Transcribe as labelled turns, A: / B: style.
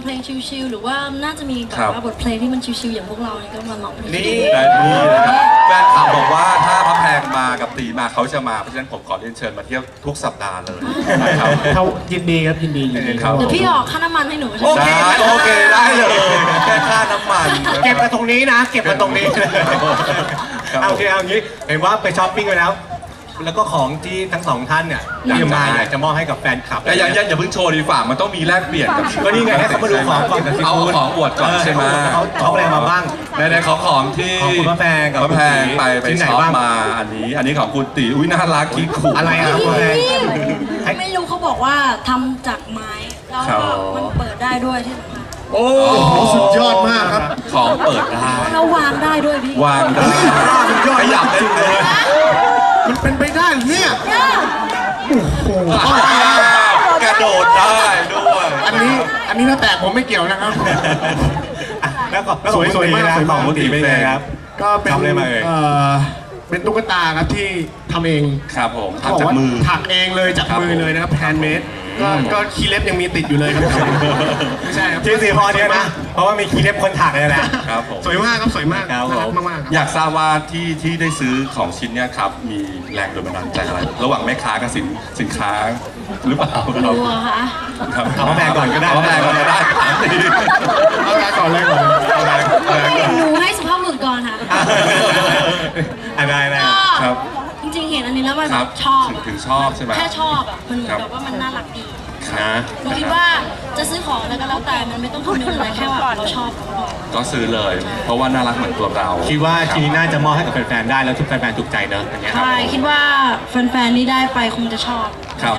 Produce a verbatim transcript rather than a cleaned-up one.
A: ลงชิลๆหรือว่าน่าจะมีแบบว่าบทเพลงที่มันชิลๆอย่างพวกเราเนี่ยก็มาร้องเพลง
B: นี่แต่นี่นะครับแฟนคลับบอกว่าถ้าพระแพงมากับตีมาเขาจะมาเพราะฉะนั้นผมขอเรียนเชิญมาเที่ยวทุกสัปดาห์เลยนะครับ
C: เขายินดีครับยินดียินดี
B: ครับ
A: เดี๋ยวพี่ออกค่าน้ำมันให้หนูใช่
B: โอ
A: ไหม
B: เคโอเคได้เลยแค่ค่าน้ำมัน
C: เก็บมาตรงนี้นะ เก็บมาตรงนี้
B: ครับ
C: เอาโอเคเอางี้เห็นว่าไปช้อปปิ้งไปแล้ว แล้วก็ของที่ทั้งสองท่านเนี่ยที่มาเนี่ยจะมอบให้กับแฟนคลับ
B: แต่อย่าอย่าอย่าเพิ่งโชว์ดีฝ่ามันต้องมีแลกเปลี่ยนกับ
C: ก็นี่ไงให้เขามาดูของก่อนกับที่
B: เอา
C: คุณ
B: ของอวดก่อนใช่ไหม
C: เขาเขาอะไรมาบ้าง
B: ในในของของที่
C: ของคุณพระแพงกับ
B: พระแพงไปไป
C: ที่ไหน
B: ช็อป
C: บ้าง
B: มาอันนี้ อันนี้ของคุณตีอุ้ยน่ารักคิกขู่
C: อะไรอะครับคุณพระแพง
A: ไม่รู้เขาบอกว่าทำจากไม้แล้วก็มันเปิดได้ด้วยที่สำคัญ
B: โอ้
D: สุดยอดมากครับ
B: ของเปิดได้
A: แล้ววางได้ด้วยพี่
B: วางได้ขยับได้เลย
D: มันเป็นไปได้เหรอเนี่ย
B: กระโดดได้ด้วย
D: อันนี้อันนี้ถ้าแตกผมไม่เกี่ยวนะครับ
C: แล้วก็แล้ว
D: สวยสวยมากสวยมาก
C: ของคุณตีเป็นไงครับ
D: ก็เป็น
C: ทำอะไรมาเอ่ย
D: เอ่อเป็นตุ๊กตาครับที่ทำเอง
B: ครับผม
D: เขาบ
B: ทำจาก
D: ว่า
B: มือ
D: ถักเองเลยจาก
B: ครับ
D: มือเลยนะครับแฮนด์เมดก็ก็คีย์เล็บยังมีติดอยู่เลยครับไม่ใช่ครับ
C: ชื่อสีพอเนี่ยนะ เพราะว่ามีคีย์เล็บคนถักเลยแหละ
B: ครับผม
D: สวยมากครับสวยมาก
C: ครับ
D: น่ารัก
C: ผม
D: มากๆครับ
B: อยากทราบว่าที่ที่ได้ซื้อของชิ้นเนี้ยครับ มีแรงโดนบันดาลใจอะไร ระหว่างแม่ค้ากับสินสินค้าหรือเปล่าครับ
A: กลัวค่ะ
B: ครับ
C: เอาพระแพงก่อนก็ได้
B: เอาพระแพงก่อนก็ได้ถามดี
D: เอาแรงก่อนเลยก่อน
B: เอาแรงเอาแรงก่อน
A: หนูให้สุภาพบุรุษก่อนค่ะ
C: อ่ะได้ได้
A: ก็
B: ครับ
A: จริงๆเห็นอันนี้แล้วมัน
B: ครับ
A: ชอบ
B: ถึงถึงชอบใช่ไหม
A: แค่ชอบอ่ะมันเหมือน
B: ครับ
A: แบบว่ามันน่ารักดี
C: นะ
A: หนูคิดว่าจะซื้อของอะไรก็แล้วแต่มันไม่ต้องคำนึงอะไรแค่ว่าเราชอบก็พอ
B: ก็ซื้อเลย เพราะว่าน่ารักเหมือนตัวเรา
C: คิดว่าชิ้นนี้น่าจะมอบให้กับแฟนๆได้แล้วทุกแฟนๆถูกใจเนอะอย่างเงี้ยครับ
A: ใช่คิดว่าแฟนๆที่ได้ไปคงจะชอบ
B: ครับ